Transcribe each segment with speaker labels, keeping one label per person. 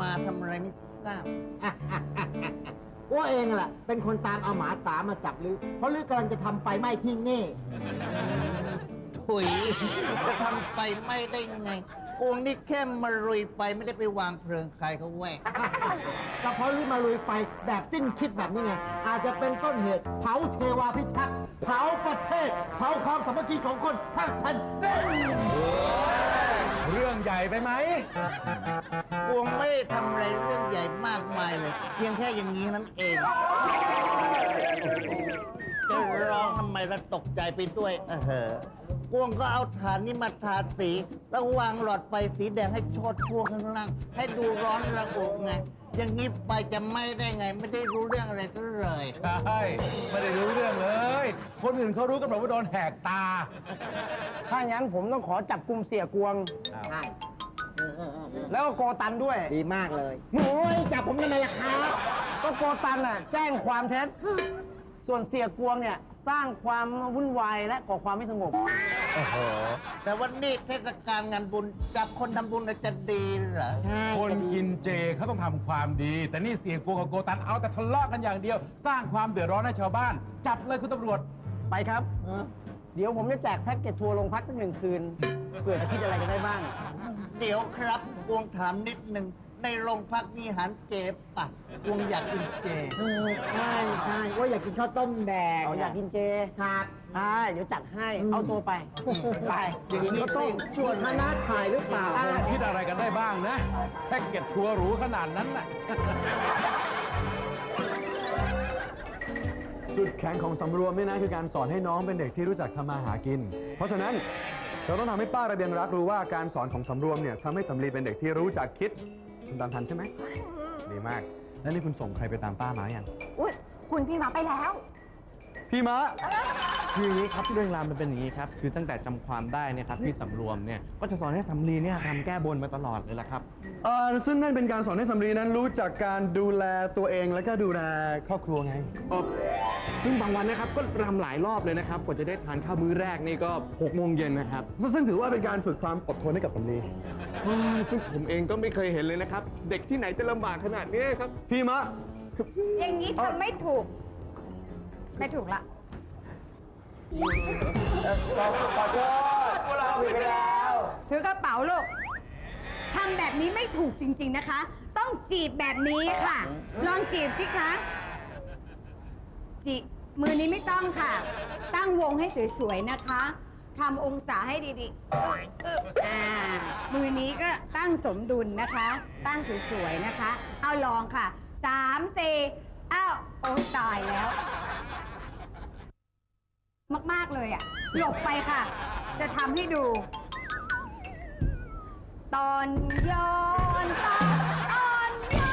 Speaker 1: มาทำอะไรไม่ทราบ
Speaker 2: อ้วเองแหละเป็นคนตามเอาหมาตามาจับลือเพราะลือกำลังจะทำไฟไหม้ที่นี่
Speaker 1: ถุยจะทำไฟไหม้ได้ไงกูนี่แค่มาลุยไฟไม่ได้ไปวางเพลิงใครเขาแหวก
Speaker 2: ก็เพราะลือมาลุยไฟแบบสิ้นคิดแบบนี้ไงอาจจะเป็นต้นเหตุเผาเทวาพิทักษ์เผาประเทศเผาความสามัคคีของคนทั้งแผ่นดิน
Speaker 3: เรื่องใหญ่ไปไหม
Speaker 1: กูไม่ทำอะไรเรื่องใหญ่มากมายเลยเพียงแค่อย่างนี้นั่นเองจะร้องทำไมแล้วตกใจไปด้วยกวงก็เอาฐานนี้มาทาสีแล้ววางหลอดไฟสีแดงให้โชดช่วงข้างล่างให้ดูร้อนระอุไงอย่างนี้ไฟจะไหม้ได้ไงไม่ได้รู้เรื่องอะไรซะเลย
Speaker 3: ใช่ไม่ได้รู้เรื่องเลยคนอื่นเขารู้กันหมดว่าโดนแหกตา
Speaker 4: ถ้างั้นผมต้องขอจับกุมเสียกวง
Speaker 2: ใช่
Speaker 4: แล้วก็โกตันด้วย
Speaker 2: ดีมากเลยโอ้ยจับผมทำไมล่ะครับ
Speaker 4: ก็โกตันน่ะแจ้งความเท็จส่วนเสียกวงเนี่ยสร้างความวุ่นวายและก่อความไม่สงบ
Speaker 1: แต่วันนี้เทศกาลงานบุญจับคนทำบุญจะดีเหรอ
Speaker 3: คนกินเจเขาต้องทำความดีแต่นี่เสียกวงกับโกตันเอาแต่ทะเลาะกันอย่างเดียวสร้างความเดือดร้อนให้ชาวบ้านจับเลยคุณตำรวจ
Speaker 4: ไปครับเดี๋ยวผมจะแจกแพ็กเกจทัวร์โรงพักสัก1 คืนเผื่อจะคิดอะไรกันได้บ้าง
Speaker 1: เดี๋ยวครับกวงถามนิดนึงในโรงพักมีอาหารเจปะกวงอยากกินเจ
Speaker 2: ใช่ว่าอยากกินข้าวต้มแดง
Speaker 4: อยากกินเจ
Speaker 2: ครับ
Speaker 4: เดี๋ยวจัดให้เอาตัวไป
Speaker 1: อย่างนี้ต้องชวน
Speaker 2: คณะถ่ายหรือเปล่า
Speaker 3: คิดอะไรกันได้บ้างนะแพ็กเกจทัวร์หรูขนาดนั้นน่ะ
Speaker 5: จุดแข็งของสำรวมนี่นะคือการสอนให้น้องเป็นเด็กที่รู้จักทำมาหากินเพราะฉะนั้นเราต้องทำให้ป้าระเบียงรักรู้ว่าการสอนของสำรวมเนี่ยทำให้สำลีเป็นเด็กที่รู้จักคิดคุณตามทันใช่ไหมดีมากแล้วนี่คุณส่งใครไปตามป้ามาอย่าง
Speaker 6: อุ๊ยคุณพี่มาไปแล้ว
Speaker 5: พี่มะ
Speaker 7: คืออย่างนี้ครับเรื่องราวมันเป็นอย่างนี้ครับคือตั้งแต่จำความได้เนี่ยครับพี่สำรวมเนี่ยก็จะสอนให้สำลีเนี่ยทำแก้บนมาตลอดเลยละครับ
Speaker 5: ซึ่งนั่นเป็นการสอนให้สำลีนั้นรู้จักการดูแลตัวเองแล้วก็ดูแลครอบครัวไง
Speaker 7: ซึ่งบางวันนะครับก็รำหลายรอบเลยนะครับกว่าจะได้ทานข้าวมื้อแรกนี่ก็6 โมงเย็นนะครับ
Speaker 5: ซึ่งถือว่าเป็นการฝึกความอดทนให้กับสำลี
Speaker 7: ซึ่งผมเองก็ไม่เคยเห็นเลยนะครับเด็กที่ไหนจะลำบากขนาดนี้ครับ
Speaker 5: พี่มะ
Speaker 6: อย่างนี้ทำไม่ถูกละ
Speaker 2: ขอโทษพวกเราผิดไปแล้ว
Speaker 6: ถือกระเป๋าลูกทำแบบนี้ไม่ถูกจริงๆนะคะต้องจีบแบบนี้ค่ะลองจีบสิคะจีบมือนี้ไม่ต้องค่ะตั้งวงให้สวยๆนะคะทำองศาให้ดีๆมือนี้ก็ตั้งสมดุลนะคะตั้งสวยๆนะคะเอาลองค่ะ3 4โอ้ตายแล้วมากๆเลยหลบไปค่ะจะทำให้ดูตอนย้อนตอนย้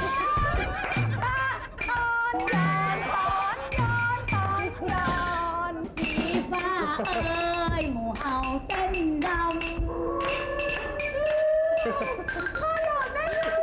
Speaker 6: อนผีฟ้าเอ้ยหมู่เฮาเต้นดำพ่อหลอดได้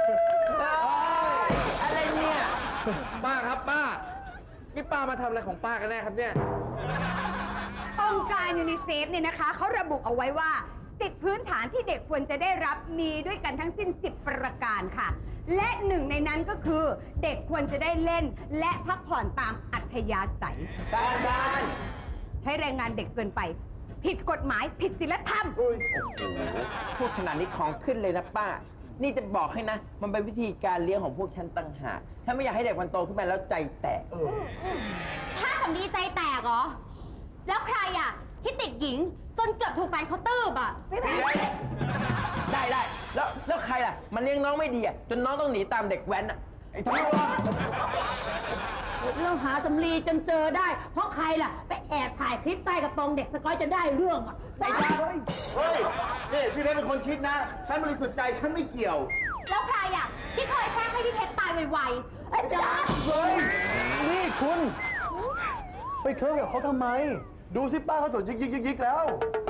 Speaker 4: อะไรเนี่ยป้าครับป้านี่ป้ามาทำอะไรของป้ากันแน่ครับเนี่ย
Speaker 6: องค์การยูนิเซฟเนี่ยนะคะเขาระบุเอาไว้ว่าสิทธิพื้นฐานที่เด็กควรจะได้รับมีด้วยกันทั้งสิ้น10 ประการค่ะและหนึ่งในนั้นก็คือเด็กควรจะได้เล่นและพักผ่อนตามอัธยาศัย
Speaker 2: การ
Speaker 6: ใช้แรงงานเด็กเกินไปผิดกฎหมายผิดศีลธรรม
Speaker 4: พูดขนาดนี้ของขึ้นเลยนะป้านี่จะบอกให้นะมันเป็นวิธีการเลี้ยงของพวกฉันต่างหากฉันไม่อยากให้เด็กมันโตขึ้นมาแล้วใจแตก
Speaker 6: ถ้าสำลีใจแตกเหรอแล้วใครที่ติดหญิงจนเกือบถูกแฟนเขาตื้บ
Speaker 4: ได้แล้วใครล่ะมันเลี้ยงน้องไม่ดีจนน้องต้องหนีตามเด็กแว้นไอ้สำรวม
Speaker 8: เราหาสำลีจนเจอได้เพราะใครล่ะไปแอบถ่ายคลิปใต้กระโปรงเด็กสกอยจะได้เรื่อง
Speaker 2: ใช่เฮ้ยนี่พี่เพชรเป็นคนคิดนะฉันบริสุทธิ์ใจฉันไม่เกี่ยว
Speaker 6: แล้วใครที่เคยแช่งให้พี่เพชรตายไวๆอาจารย์
Speaker 5: นี่คุณไปเคลิ้มกับเขาทำไมดูสิป้าเขาสนยิกแล้ว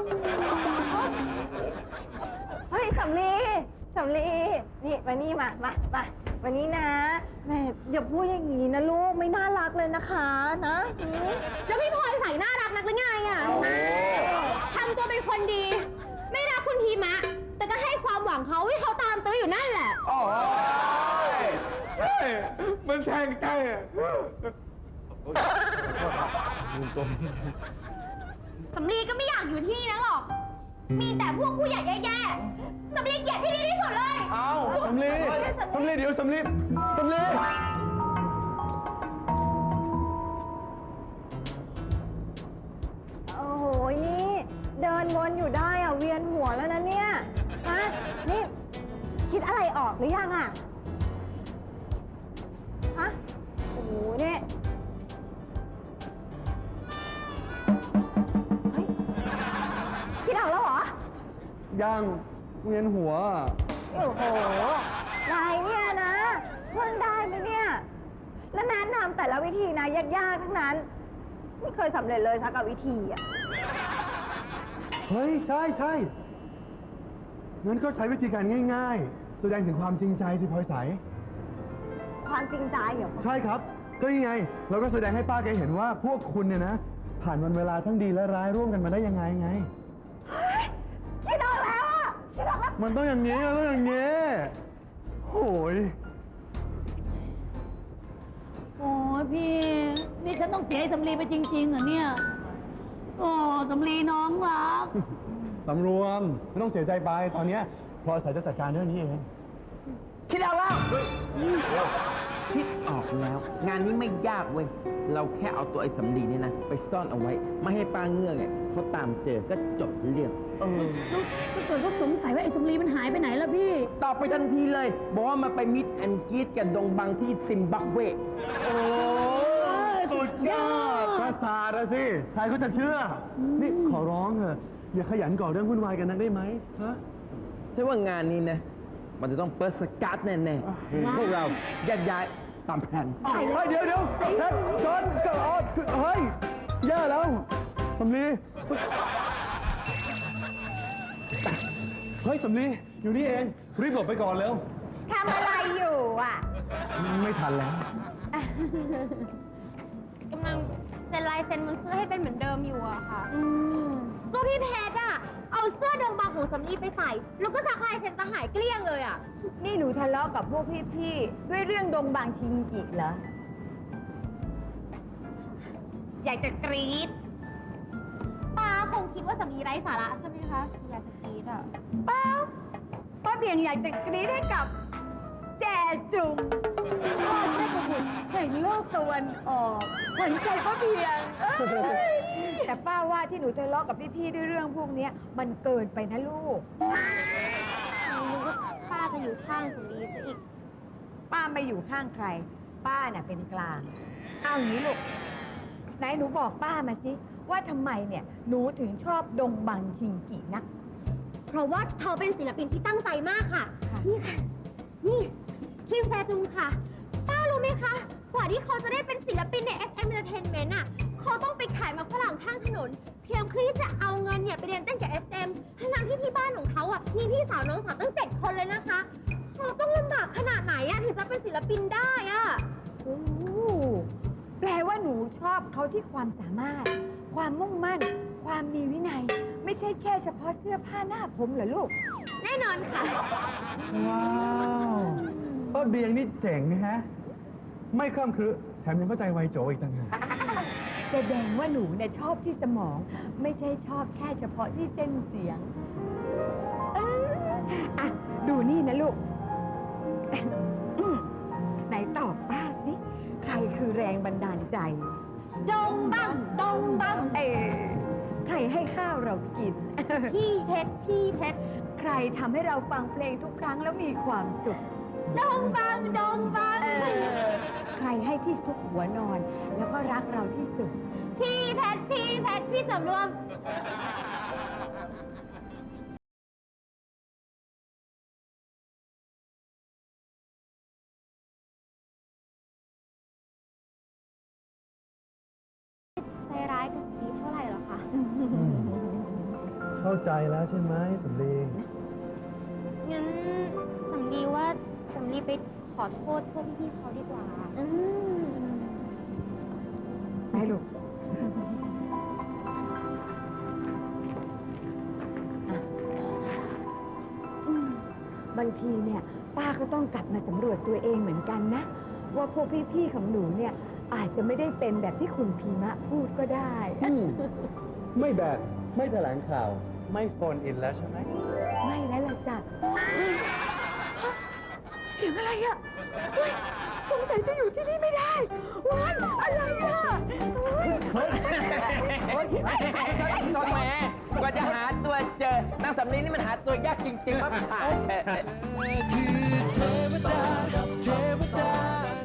Speaker 6: เฮ้ยสำลีนี่มานี่มาวันนี้นะแม่อย่าพูดอย่างนี้นะลูกไม่น่ารักเลยนะคะนะแล้วพี่พลอยใส่น่ารักนักหรือไงทำตัวเป็นคนดีไม่รักคุณทีมะแต่ก็ให้ความหวังเขาให้เขาตามตื้ออยู่นั่นแหละ
Speaker 5: มันแทงใจอะ
Speaker 9: สำลีก็ไม่อยากอยู่ที่นี่นะหรอก มีแต่พวกผู้ใหญ่แย่ๆสำลีเกลียดที่นี่ที่สุดเลย
Speaker 5: สำลีเดี๋ยวสำลี
Speaker 10: โอ้โห นี่เดินวนอยู่ได้อะเวียนหัวแล้วนะเนี่ย ฮะ นี่ คิดอะไรออกหรือยังอะฮะ โอ้โหเนี่ยเฮ้ย คิดออกแล้วเหรอ
Speaker 5: ยังเวียนหัว
Speaker 10: โอ้โห นายเนี่ยนะเพิ่งได้ไหมเนี่ย แล้วแนะนำแต่ละวิธีนะยากๆทั้งนั้น ไม่เคยสำเร็จเลยสักกับวิธีอะ
Speaker 5: เฮ้ย ใช่งั้นก็ใช้วิธีการง่ายๆ แสดงถึงความจริงใจสิพลอยใส
Speaker 10: ความจริงใจเหรอ
Speaker 5: ใช่ครับ ก็ยังไง เราก็แสดงให้ป้าแกเห็นว่าพวกคุณเนี่ยนะ ผ่านวันเวลาทั้งดีและร้ายร่วมกันมาได้ยังไงไง
Speaker 10: คิดออกแล้วอะคิดออกแล้ว
Speaker 5: มันต้องอย่างนี้โอ้ย
Speaker 8: โอ้ยพี่ นี่ฉันต้องเสียไอ้สำลีไปจริงๆเหรอเนี่ย โอ้สำลีน้องรัก
Speaker 5: สำรวมไม่ต้องเสียใจไป ตอนเนี้ยพลอยใสจะจัดการเรื่องนี้เอง
Speaker 4: คิดออกแล้ว คิดออกแล้ว งานนี้ไม่ยากเว้ย เราแค่เอาตัวไอ้สำลีเนี่ยนะ ไปซ่อนเอาไว้ ไม่ให้ป้าเงือกเนี่ยเขาตามเจอก็จบเรื่อง
Speaker 8: แล้วถ้าเกิดเขาสงสัยว่าไอ้สำลีมันหายไปไหนล่ะพี่
Speaker 4: ตอบไปทันทีเลย บอกว่ามาไปมิดแอนกรีดกับดงบังที่ซิมบับเว
Speaker 5: โอ้สุดยอดประสาทอะสิ ใครเขาจะเชื่อ นี่ขอร้องเถอะอย่าขยันก่อเรื่องวุ่นวายกันนักได้ไหมฮะ
Speaker 4: ใช่ว่างานนี้นะ มันจะต้องเปิดสกัดแน่ๆ พวกเราแยกย้ายตามแผน
Speaker 5: เฮ้ยเดี๋ยวจอนเกิดเฮ้ยแย่แล้วสำลีเฮ้ยสำลีอยู่นี่เอง รีบหลบไปก่อนเร็ว
Speaker 6: ทำอะไรอยู่อ่ะ
Speaker 5: ไม่ทันแล้ว
Speaker 9: กำลังเซ็นลายเซ็นบนเสื้อให้เป็นเหมือนเดิมอยู่อะค่ะก็พี่เพชรอะเอาเสื้อดงบางของสำลีไปใส่ แล้วก็ซักลายเซ็นจะหายเกลี้ยงเลยอะ
Speaker 10: นี่หนูทะเลาะกับพวกพี่ๆ ด้วยเรื่องดงบางชิงกิเหรอ
Speaker 6: อยากจะกรี๊ด
Speaker 9: ป้าคงคิดว่าสำลีไร้สาระใช่ไหมคะอยากจะกรี๊ดอะ
Speaker 10: เปล่าป้าเพียงอยากจะกรี๊ดให้กับ แจจุ๋มพ่อแม่บุตรแห่งโลกตะวันออกขวัญใจป้าเพียงแต่ป้าว่าที่หนูทะเลาะกับพี่ๆ ด้วยเรื่องพวกเนี้ยมันเกินไปนะลูก
Speaker 9: ไม่รู้ว่าป้าจะอยู่ข้างสำลีซะอีก
Speaker 10: ป้าไม่อยู่ข้างใคร ป้าน่ะเป็นกลาง เอางี้ลูก ไหนหนูบอกป้ามาสิ ว่าทำไมเนี่ย หนูถึงชอบดงบังชิงกินัก
Speaker 9: เพราะว่าเขาเป็นศิลปินที่ตั้งใจมากค่ะ นี่ค่ะ นี่คิมแซจุงค่ะ ป้ารู้ไหมคะ กว่าที่เขาจะได้เป็นศิลปินใน SM Entertainment อ่ะ เขาต้องไปขายหมากฝรั่งข้างถนน เพียงเพื่อที่จะเอาเงินเนี่ยไปเรียนเต้นกับ SM ทั้งที่ที่บ้านของเขาอ่ะ มีพี่สาวน้องสาวตั้ง 7 คนเลยนะคะ เขาต้องลำบากขนาดไหนอ่ะถึงจะเป็นศิลปินได้อ่ะ
Speaker 10: โอ้แปลว่าหนูชอบเขาที่ความสามารถ ความมุ่งมั่น ความมีวินัย ไม่ใช่แค่เฉพาะเสื้อผ้าหน้าผมเหรอลูก
Speaker 9: แน่นอนค่ะ
Speaker 5: ว้าวป้าเบียงนี่เจ๋งนะฮะ ไม่คล่ำครึแถมยังเข้าใจไวโจอีกต่างหาก
Speaker 10: แสดงว่าหนูเนี่ยชอบที่สมอง ไม่ใช่ชอบแค่เฉพาะที่เส้นเสียงอ่ะดูนี่นะลูก ไหนตอบป้าสิ ใครคือแรงบันดาลใจ
Speaker 9: ดงบังดงบัง
Speaker 10: ใครให้ข้าวเรากิน
Speaker 9: พี่เพชรพี่เพชร
Speaker 10: ใครทำให้เราฟังเพลงทุกครั้งแล้วมีความสุข
Speaker 9: ดงบังดงบัง
Speaker 10: ใครให้ที่ซุกหัวนอน แล้วก็รักเราที่สุด
Speaker 9: พี่เพชรพี่เพชรพี่สำรวม ใจร้ายกับสตีเท่าไหร่หรอคะ
Speaker 5: เข้าใจแล้วใช่ไหมสำลี
Speaker 9: งั้นสำลีว่าสำลีไปขอโทษพวกพี่ๆเขาดีกว่า
Speaker 10: ไปลูก บางทีเนี่ย ป้าก็ต้องกลับมาสำรวจตัวเองเหมือนกันนะว่าพวกพี่ๆของหนูเนี่ยอาจจะไม่ได้เป็นแบบที่คุณพีมะพูดก็ได้
Speaker 5: ไม่แบดไม่แถลงข่าว ไม่โฟนอินแล้วใช่ไหม
Speaker 10: ไม่แล้วล่ะจ้ะเสียงอะไรอ่ะเฮ้ยสงสัยจะอยู่ที่นี่ไม่ได้ว้ายอะไรอ่ะเฮ้ย
Speaker 4: แหมกว่าจะหาตัวเจอนางสำลีนี่มันหาตัวยากจริงๆว่าผ่าน
Speaker 11: คือเทวดา